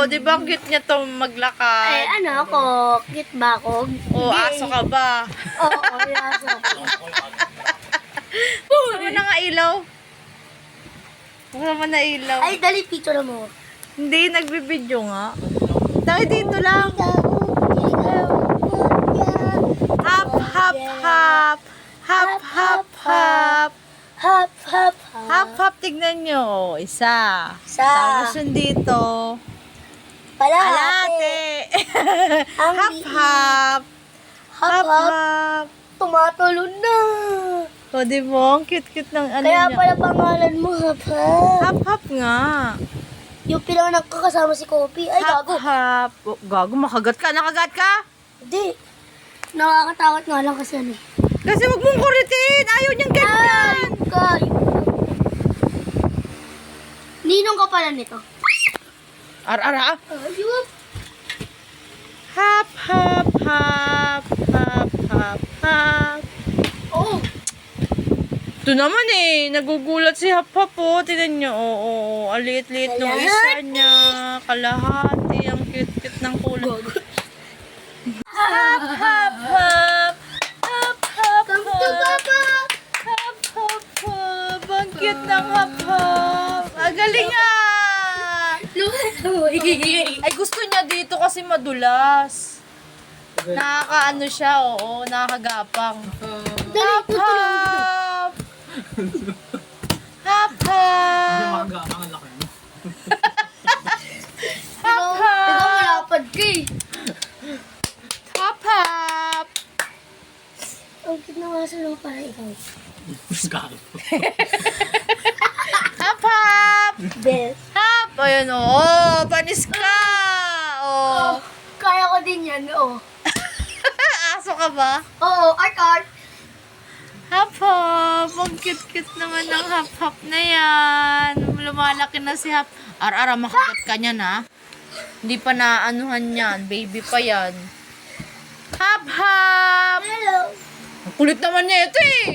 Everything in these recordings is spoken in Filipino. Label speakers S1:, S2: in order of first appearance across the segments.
S1: di ba ang cute niya to maglakad?
S2: Ay, ano ako? Cute ba ako?
S1: O, aso ka ba?
S2: Oo, aso.
S1: Wala na nga ilaw. Wala naman na ilaw.
S2: Ay, dali, picture mo.
S1: Hindi, nagbibidyo nga. Dahil dito lang. Hop, hop, hop. Hop, hop, hop.
S2: Hop, hop,
S1: Hop, hop, tignan nyo. Isa.
S2: Isa.
S1: Tapos yung dito. Alate.
S2: Ang
S1: Hop,
S2: liit.
S1: hop.
S2: Hop,
S1: Hop,
S2: hop.
S1: hop.
S2: Tumatalo na.
S1: O, di mo? Ang cute-cute ng ano
S2: Kaya
S1: niya.
S2: pala pangalan mo, hop, hop.
S1: Hop, hop nga.
S2: Yung pinanganak ka kasama si Kopi. Ay,
S1: Hop,
S2: gago.
S1: hop. Oh, gago, makagat ka. Nakagat ka?
S2: Hindi. Nakakatakot nga lang kasi ano.
S1: Kasi wag mong kuritin. Ayaw niyang ganyan.
S2: Ninong ka pala nito.
S1: Ar-ara.
S2: Ayun.
S1: Hop, hop, hop. Hop, hop, hop.
S2: Oh.
S1: Ito naman eh. Nagugulat si Hop Hop oh. Tignan niyo. Oo. Ang liit-liit ng isa niya. Kalahati. Ang cute-cute ng kulay. Hop, hop, hop. Hop, hop,
S2: Come to
S1: hop.
S2: Papa.
S1: Hop, hop, hop. Ang cute ng Hop Hop. Ang galing ah. Ay, gusto niya dito kasi madulas. Nakakaano siya, oo. Nakakagapang. Hop, hop. Hop, hop. Hop,
S2: Ikaw
S1: hop.
S2: malapad ka eh.
S1: Hop, hop.
S2: Ang cute na nga sa loob para ikaw.
S1: Hop, hop.
S2: Best.
S1: Hop. Ayun, oo. Panis ka. Oo.
S2: Kaya ko din yan, oo.
S1: Aso ka ba?
S2: Oo, art.
S1: Hop, hop. Ang cute-cute naman ng Hop, hop na yan. Lumalaki na si Hop. Ar-ara, makagat ka niyan, ha? Hindi pa naanuhan yan. Baby pa yan. Hop, hop.
S2: Hello.
S1: Ang kulit naman niya ito, eh.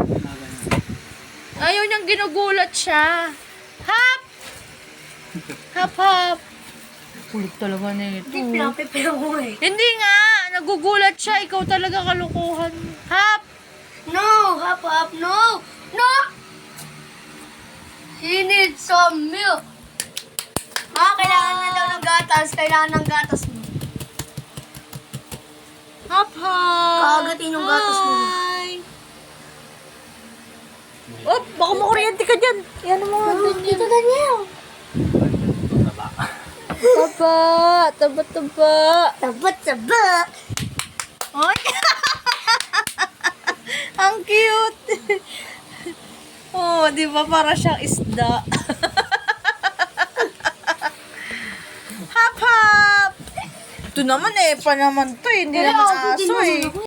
S1: Ayaw niyang ginugulat siya. Hop! Hop, hop. Kulit talaga na ito.
S2: Hindi pinapipira ko eh.
S1: Hindi nga. Nagugulat siya. Ikaw talaga kalukuhan. Hop!
S2: No, hop, no. No! He needs some milk. Kailangan na daw ng gatas. Kailangan ng gatas mo.
S1: Hop, hop.
S2: Kagatin yung gatas mo.
S1: Hi. Oh, baka makuryente ka dyan. Yan mo nga.
S2: Dito, Daniel.
S1: Taba. Taba.
S2: Taba.
S1: Ay! Ang cute! Oh, di ba para siyang isda? Hop, hop! Ito naman eh, pa naman to eh. Hindi naman aso eh.